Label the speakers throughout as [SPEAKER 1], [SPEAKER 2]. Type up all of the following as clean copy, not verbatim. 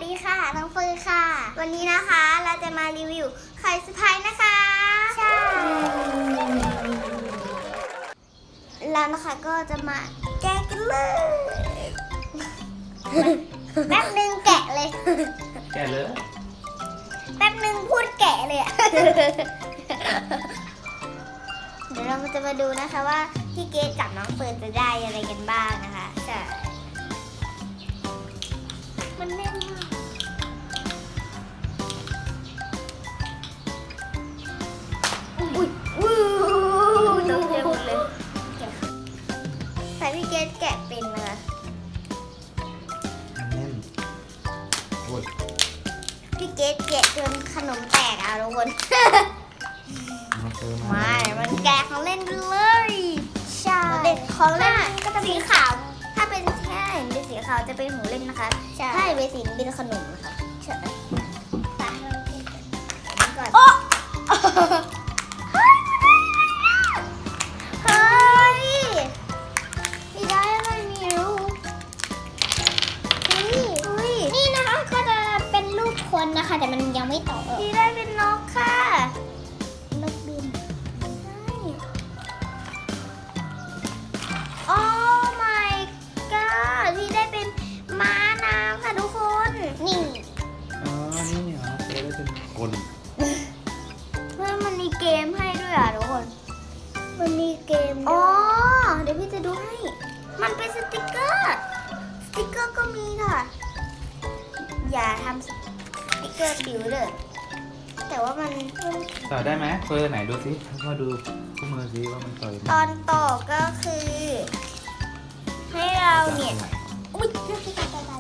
[SPEAKER 1] ดีค่ะน้องเฟิร์นค่ะวันนี้นะคะเราจะมารีวิวไข่สไปซ์นะคะใช่แล้วนะคะก็จะมาแกะกันเลยแป๊บนึงแกะเลย
[SPEAKER 2] แกะเลย
[SPEAKER 1] แป๊บนึงพูดแกะเลยอะเดี๋ยวเราจะมาดูนะคะว่าพี่เกดกับน้องเฟิร์นจะได้อะไรกันบ้างนะคะใช่มันแน่นมากอุ้ยตกใจหมดเลยแต่พี่เกดแกะเป็นนะคะ
[SPEAKER 2] แน่นโอ้ย
[SPEAKER 1] พี่เกดแกะจนขนมแตกอ่ะทุกคน
[SPEAKER 2] มาเจอมา
[SPEAKER 1] ไม่มันแกะของเล่นเลยใช่เด็กของเล่นก็จะสีขาวถ้าเป็นแค่เป็นสีขาวจะเป็นของเล่นนะคะถ้าเป็นสีเป็นขนมนะคะใช่ไปก่อนโอ้เฮ้ยพี่ได้อะไรไม่รู้นี่นะคะก็จะเป็นรูปคนนะคะแต่มันยังไม่ต่อพี่ได้เป็นนกค่ะนกบินใช่โอ้ my god พี่ได้เป็นม้าน้ำค่ะทุกคนนี่
[SPEAKER 2] อ๋อนี่เหรอเจอได้เป็นกล
[SPEAKER 1] เพื่อนมันมีเกมให้ด้วยอ่ะทุกคนมันมีเกมอ๋อเดี๋ยวพี่จะดูให้มันเป็นสติกเกอร์ก็มีค่ะอย่าทำสติกเกอร์ปิวเลยแต่ว่ามัน
[SPEAKER 2] ต่อได้ไหมเฟิร์นไหนดูสิพ่อดูคู่มือสิว่ามันต่อยไหม
[SPEAKER 1] ตอนต่อก็คือ ให้เราเนี่ยอุ้ยเรื่องที่การตาย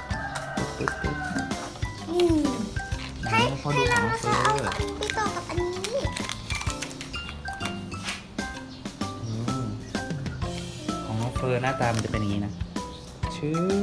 [SPEAKER 1] ให้เรานะคะเอาอันนี้ไปต่อกับอันนี้
[SPEAKER 2] ของน้องเฟิร์นหน้าตามันจะเป็นอย่างนี้นะชื่อ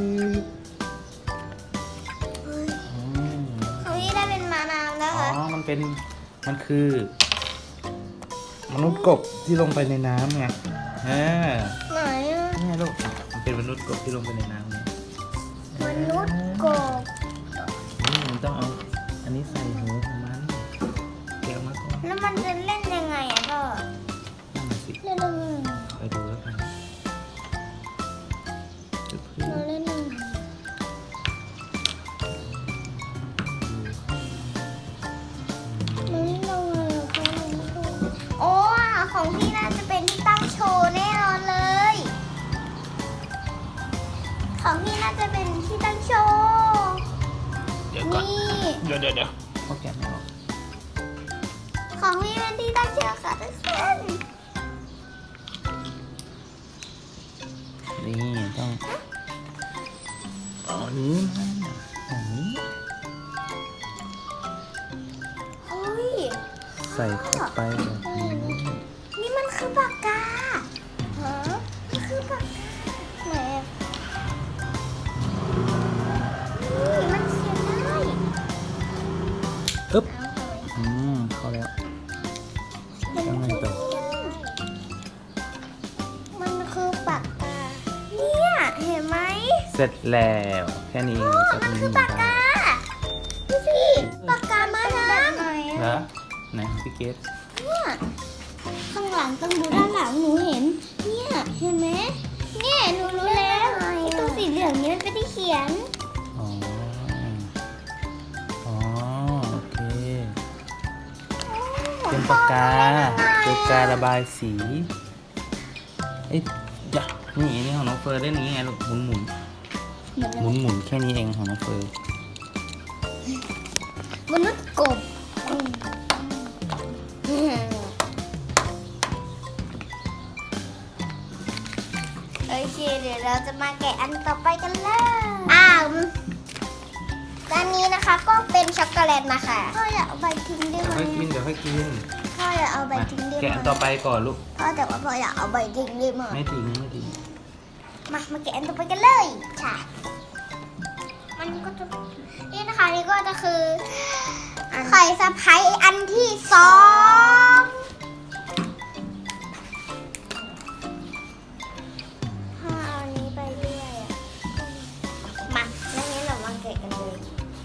[SPEAKER 1] ของพี่ได้เป็นม้าน้ำนะคะ
[SPEAKER 2] อ๋อมันคือ มนุษย์กบที่ลงไปในน้ำไง
[SPEAKER 1] ไหนอ่ะ
[SPEAKER 2] นี่ลูกมันเป็นมนุษย์กบที่ลงไปในน้ำไง
[SPEAKER 1] มนุษย์กบ
[SPEAKER 2] มันต้องเอาอันนี้ใส่หูของมันเกี่ยวมาก่อน
[SPEAKER 1] แล้วมันจะเล่นยังไงอ่ะพ่อ
[SPEAKER 2] นั่นน่ะสิ
[SPEAKER 1] เล่นยังไง
[SPEAKER 2] ไปดูแล้วกัน
[SPEAKER 1] เราเล่นยังไงโอ้ของพี่น่าจะเป็นที่ตั้งโชว์แน่นอนเลย ของพี่น่าจะเป็นที่ตั้งโชว์
[SPEAKER 2] เดี๋ยวก่อน
[SPEAKER 1] นี่
[SPEAKER 2] เดี๋ยวเขาแกะไม่ออก
[SPEAKER 1] ของพี่เป็นที่ตั้งโชว์ค่ะทุกคน
[SPEAKER 2] นี่ต้องเอาอันนี้อันนี้
[SPEAKER 1] เฮ้ย
[SPEAKER 2] ใส่เข้าไปแบบนี้
[SPEAKER 1] นี่มันคือปากกาฮะมันคือปากกาไหนอะนี่มันเขียนได้
[SPEAKER 2] อึ๊บเข้าแล้วต้องไงต่อ
[SPEAKER 1] มันคือปากกา เนี่ยเห็นไหม
[SPEAKER 2] เสร็จแล้วแค่นี้
[SPEAKER 1] มันคือปากกาดูสิปากกามาน้ำ
[SPEAKER 2] เหรอไหนพี่เกด
[SPEAKER 1] เนี่ยข้างหลังต้องดูด้านหลังหนูเห็น เนี่ยเห็นไหมเนี่ยหนูรู้แล้วไอ้ตรงสีเหลืองนี้มันเป็นที่เขียน
[SPEAKER 2] อ๋อโอเคเป็นปากการะบายสีเอ้ยอย่านี่ของน้องเฟิร์นเล่นนี้ไงลูกหมุนแค่นี้เองของน้องเฟิร์น
[SPEAKER 1] มนุษย์กบโอเคเดี๋ยวเราจะมาแกะอันต่อไปกันเลยอันนี้นะคะก็เป็นช็อกโกแลตนะคะพ่ออยากเอาใบทิ้งได้ไหม
[SPEAKER 2] เดี๋ยวค่อยกิน
[SPEAKER 1] พ่ออยากเอาใบทิ้งได้ไหม
[SPEAKER 2] แกะอันต่อไปก่อนลูก
[SPEAKER 1] พ่อแต่ว่าพ่ออยากเอาใบทิ้งได้ไหม
[SPEAKER 2] ไม่ทิ้ง
[SPEAKER 1] มาแกะอันต่อไปกันเลยค่ะมันก็จะนี่นะคะนี่ก็จะคือไข่สะพ้ายอันที่2ถ้าเอาอันนี้ไปด้วยมาแล้วงั้นเรามาแกะกันเลย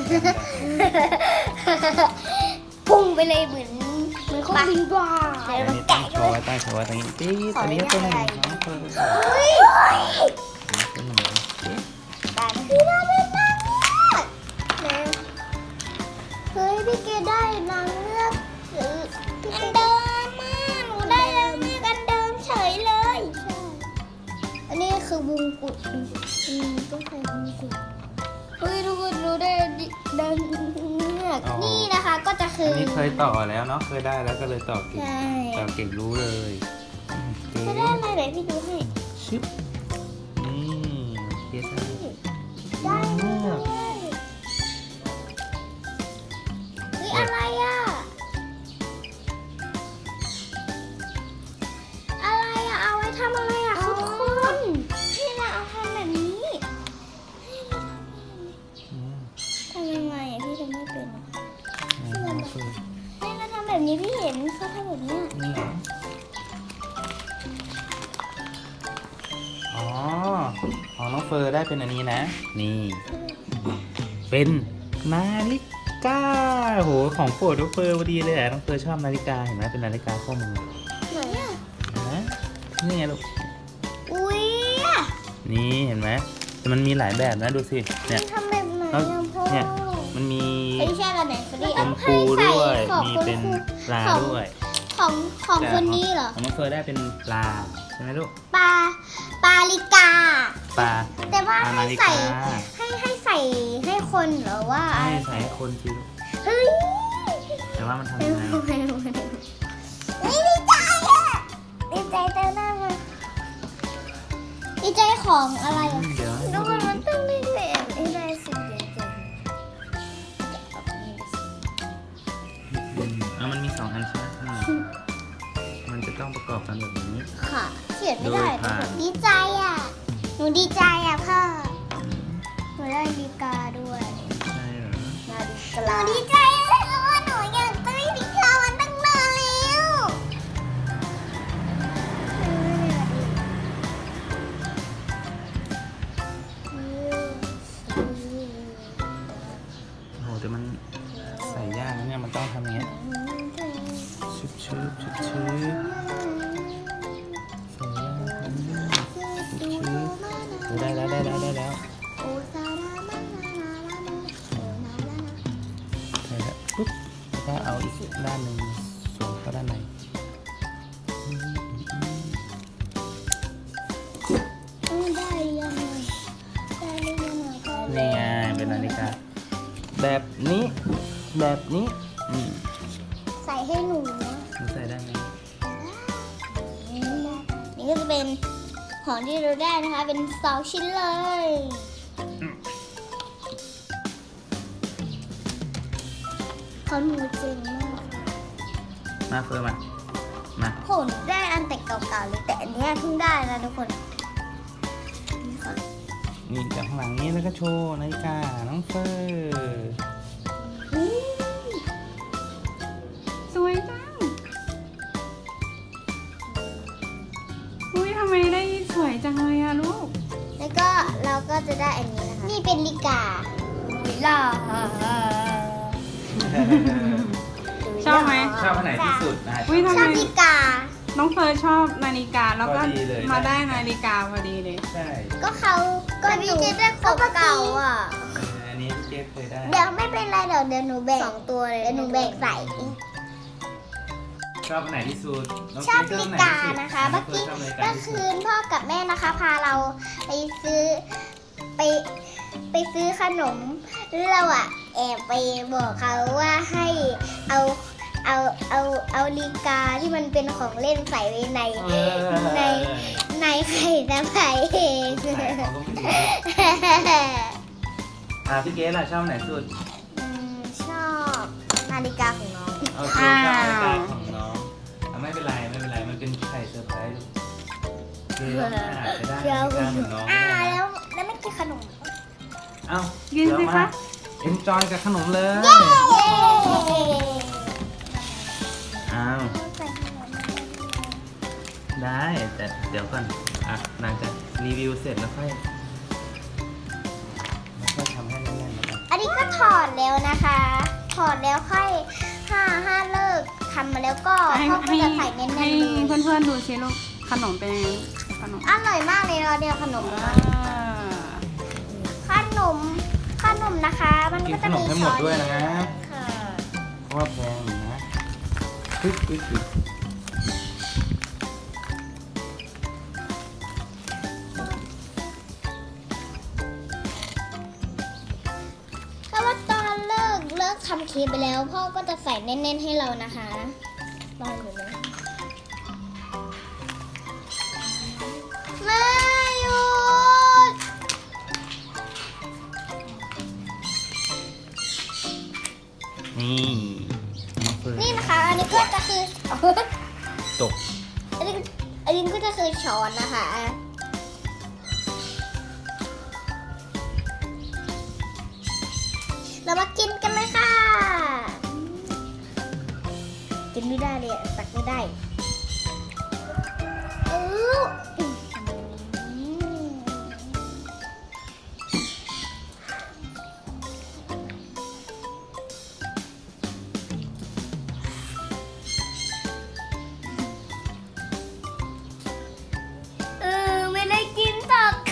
[SPEAKER 1] พุ่งไปเลยเหมือนเครื่องบินบ้า
[SPEAKER 2] อั
[SPEAKER 1] เดี๋ยวน เรา
[SPEAKER 2] นี้
[SPEAKER 1] แกะ
[SPEAKER 2] ตั้งโช
[SPEAKER 1] ด้ว
[SPEAKER 2] ว์
[SPEAKER 1] ย
[SPEAKER 2] ไว้ตั้งโชว์ไว้ตรงนี้ปี๊ดอันนี้ก็เป็นน้องเฟิร์น
[SPEAKER 1] เฮ้ย
[SPEAKER 2] เป็นหนุ่ม
[SPEAKER 1] ได้พี่ได้เป็นนางเงือกเร็วเฮ้ยพี่เกดได้นางเงือกอันเดิมมากหนูได้นางเงือกอันเดิมเฉยเลยใช่อันนี้คือวงกุฎต้องใส่วงกุฎเฮ้ยทุกคนรู้ได้นางเงือกนี่นะคะก็จะคื
[SPEAKER 2] อั
[SPEAKER 1] อน
[SPEAKER 2] นี้เคยต่อแล้วเนาะเคยได้แล้วก็เลยต่อเก่ง
[SPEAKER 1] ใช่
[SPEAKER 2] ต่อเก่งรู้เลยเก๋
[SPEAKER 1] จะได้อะไรไหนพี่ดูให้
[SPEAKER 2] ชึบนี่เก๋ได้
[SPEAKER 1] ได้เลยเฮ้ยอะไรอ่ะ อะไรอ่ะ เอาไว้ทำอะไรอ่ะทุกคนให้เราเอาทำแบบนี้ให้เราทำแบบนี้
[SPEAKER 2] อืม
[SPEAKER 1] ทำยังไงอ่ะพี่ทำไม่เป็นอะ
[SPEAKER 2] ไหนน้องเฟิร์น
[SPEAKER 1] ให้เราทำแบบนี้พี่เห็นเขาทำแบบเนี้ย
[SPEAKER 2] นี่เหรออ๋อของน้องเฟิร์นได้เป็นอันนี้นะ นี่ เป็นนาฬิกาโหของโปรดน้องเฟิร์นพอดีเลยอ่ะน้องเฟิร์นชอบนาฬิกาเห็นไหมเป็นนาฬิกาข้อมือ
[SPEAKER 1] ไหนอ่ะ
[SPEAKER 2] เห็นไหมนี่ไงลูก
[SPEAKER 1] อุ้ยอ่ะ
[SPEAKER 2] นี่เห็นไหมแต่มันมีหลายแบบนะดูสิเนี่ย
[SPEAKER 1] ทำแบบไหน
[SPEAKER 2] แล้ว
[SPEAKER 1] อ่ะพ่อ
[SPEAKER 2] เนี่ยมันมี
[SPEAKER 1] ไอ้แช่กันไหนฟรี
[SPEAKER 2] เป็นปูด้วย
[SPEAKER 1] ของ
[SPEAKER 2] มี
[SPEAKER 1] คุณ
[SPEAKER 2] เป็นปลาด้วย
[SPEAKER 1] ของ
[SPEAKER 2] แต่
[SPEAKER 1] คนนี้เหรอ
[SPEAKER 2] ของน้องเฟิร์นได้เป็นปลาใช่ไหมลูก
[SPEAKER 1] ปลาลิกา
[SPEAKER 2] ปลา
[SPEAKER 1] แต่ว่า
[SPEAKER 2] ปลา
[SPEAKER 1] ให้
[SPEAKER 2] นาฬิ
[SPEAKER 1] ใส่
[SPEAKER 2] กา
[SPEAKER 1] ให้ใส่ให้คนเหรอว่า
[SPEAKER 2] ให้ใส่ให้คนสิลูก
[SPEAKER 1] เฮ้ย
[SPEAKER 2] แต่ว่ามันทำยังไง
[SPEAKER 1] นี่ดีใจอ่ะดีใจเต้นหน้ามาดีใจของอะไรอ่ะ
[SPEAKER 2] เดี๋ยวให้
[SPEAKER 1] ทุ
[SPEAKER 2] ดู
[SPEAKER 1] กคนมันต้องได้ด้วยให้ได้สิ่งเดียวกัน
[SPEAKER 2] เอามันมีสองอันใช่ไหมมันจะต้องประกอบกันแบบนี้
[SPEAKER 1] ค่ะเขียนไม่ได้
[SPEAKER 2] โดยผ่าน
[SPEAKER 1] ดีใจอ่ะหนูดีใจอ่ะพ่อหนูได้นาฬิกาด้วย
[SPEAKER 2] ใช่เหรอ
[SPEAKER 1] หนูดีใจเลยเพราะว่าหนูอยากได้นาฬิกามันตั้งนานแล้ว
[SPEAKER 2] โอ้โหแต่มันใส่ยากนะเนี่ยมันต้องทำอย่างเงี้ยชึบชึบชึบชึบใส่ยากนะชึบชึบโอ้ได้แล้วได้แล้วได้แล้วใส่แล้วปุ๊บแล้วก็เอาอีกด้านหนึ่งสวมเข้าด้านในนี่ไงเป็นนาฬิกาแบบนี้แบบนี้นี่
[SPEAKER 1] ใส่ให้หนูนะ
[SPEAKER 2] มันใส่ได้ไหม
[SPEAKER 1] นี่ก็จะเป็นของที่เราได้นะคะ เป็น2 ชิ้นเลยเขาหนูเจ๋งมาก
[SPEAKER 2] มาเฟิร์นมา
[SPEAKER 1] ผมได้อันแต่เก่าๆเลยแต่อันเนี้ยเพิ่งได้นะทุกคนนี่ค่ะ
[SPEAKER 2] นี่จากข้างหลังนี้แล้วก็โชว์นาฬิกาน้องเฟิร์น
[SPEAKER 3] สวยจัง อุ้ยทำไมได้สวยจังเลยอะลูก
[SPEAKER 1] แล้วก็เราก็จะได้อันนี้นะคะ นี่เป็นลิกาวิลา
[SPEAKER 3] ชอบไหม
[SPEAKER 2] ชอบอันไหนที่สุดนะ
[SPEAKER 3] อุ้ยทำ
[SPEAKER 1] ช
[SPEAKER 3] ไม
[SPEAKER 1] อบลิกา
[SPEAKER 3] น้องเฟิร์สชอบนาฬิกาแล้วก็
[SPEAKER 2] พอดีเลย
[SPEAKER 3] มาได้นาฬิกาพอดีเลย
[SPEAKER 2] ใช่
[SPEAKER 1] ก็เขาก็หนูได้ของเก่าอ่ะ
[SPEAKER 2] อันนี้เจ๊เคยได้
[SPEAKER 1] เดี๋ยวไม่เป็นไรเดี๋ยวหนูแบ่ง2 ตัวเลยเดี๋ยวหนูแบ่งใส่
[SPEAKER 2] ชอบอันไหนที่สุดน้ง
[SPEAKER 1] ชอบ
[SPEAKER 2] เจ๊
[SPEAKER 1] ลิ
[SPEAKER 2] อันไหน
[SPEAKER 1] กา
[SPEAKER 2] ที่สุด
[SPEAKER 1] นะคะ
[SPEAKER 2] น้
[SPEAKER 1] เมื่
[SPEAKER 2] อ
[SPEAKER 1] อง
[SPEAKER 2] ฟิ
[SPEAKER 1] กี้
[SPEAKER 2] ร์นชอบนาฬิกา
[SPEAKER 1] เมื่อ
[SPEAKER 2] ที่สุ
[SPEAKER 1] คื
[SPEAKER 2] ด
[SPEAKER 1] นพ่อกับแม่นะคะ พาเราไปซื้อขนมแล้วเราอ่ะแอบไปบอกเขาว่าให้เอาลิกาที่มันเป็นของเล่นใส่ไว้ใน
[SPEAKER 2] เออ
[SPEAKER 1] ในไข่ตะไคร้เอง
[SPEAKER 2] ใส่เขาก็ไม่รู้พี่เกสล่ะชอบอันไหนสุด
[SPEAKER 1] ชอบนาฬิกาของน้อง
[SPEAKER 2] โอเคชอบนาฬิกาของน้องไม่เป็นไรมันเป็นไข่เซอร์ไพรส์คือเราอาจจะได้นาฬิกาเหมือนน้องก็ได้นะ
[SPEAKER 1] แล้วไม่กินขนม
[SPEAKER 2] เอ้า
[SPEAKER 3] กินสิคะ
[SPEAKER 2] เอ็นจอยกับขนมเลย
[SPEAKER 1] เย้
[SPEAKER 2] อ้าว
[SPEAKER 1] ใส่ขนม
[SPEAKER 2] ได้แต่เดี๋ยวก่อนอ่ะหลังจากรีวิวเสร็จแล้วค่อยทำให้แน่นๆแล้วกัน
[SPEAKER 1] อันนี้ก็ถอดแล้วนะคะ ถอดแล้วค่อยห้าเลิกทำมาแล้วก็
[SPEAKER 3] ให้
[SPEAKER 1] พ่อก็จะใส่แน่นๆ
[SPEAKER 3] ให้
[SPEAKER 1] เลย
[SPEAKER 3] เพื่อนๆดูสิลูกขนมเป็นยังไงขนม
[SPEAKER 1] อร่อยมากเลยเราเนี่ยขนม
[SPEAKER 3] อ่า
[SPEAKER 1] ขนมนะคะ มัน
[SPEAKER 2] กิน
[SPEAKER 1] ก็
[SPEAKER 2] ข
[SPEAKER 1] จะ
[SPEAKER 2] นม
[SPEAKER 1] มี
[SPEAKER 2] ให้หม
[SPEAKER 1] ช้
[SPEAKER 2] ด
[SPEAKER 1] อน
[SPEAKER 2] ด้วยนะ
[SPEAKER 1] ค่ะ
[SPEAKER 2] เพราะว่าแพงอยู่นะปึ๊บปึ๊บปึ๊บ
[SPEAKER 1] เพราะว่าตอนเลิกทำเค้กไปแล้ว พ่อก็จะใส่แน่นๆให้เรานะคะรออยู่เลยไม่หยุด
[SPEAKER 2] นี่น้องเฟิร์น
[SPEAKER 1] นี่นะคะ อันนี้ก็จะคือ
[SPEAKER 2] ตก
[SPEAKER 1] อันนี้ก็จะคือช้อนนะคะ เรามากินกันเลยค่ะ กินไม่ได้เลยตักไม่ได้อือไม่ได้กินตัก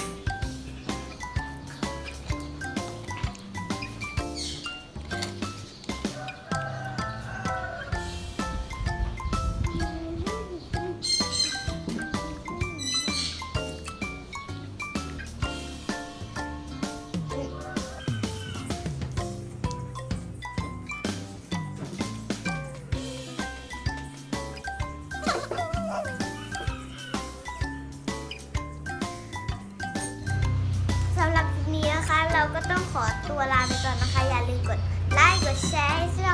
[SPEAKER 1] สำหรับคลิปนี้นะคะ เราก็ต้องขอตัวลาไปก่อนนะคะ อย่าลืมกดไลค์ กดแชร์ให้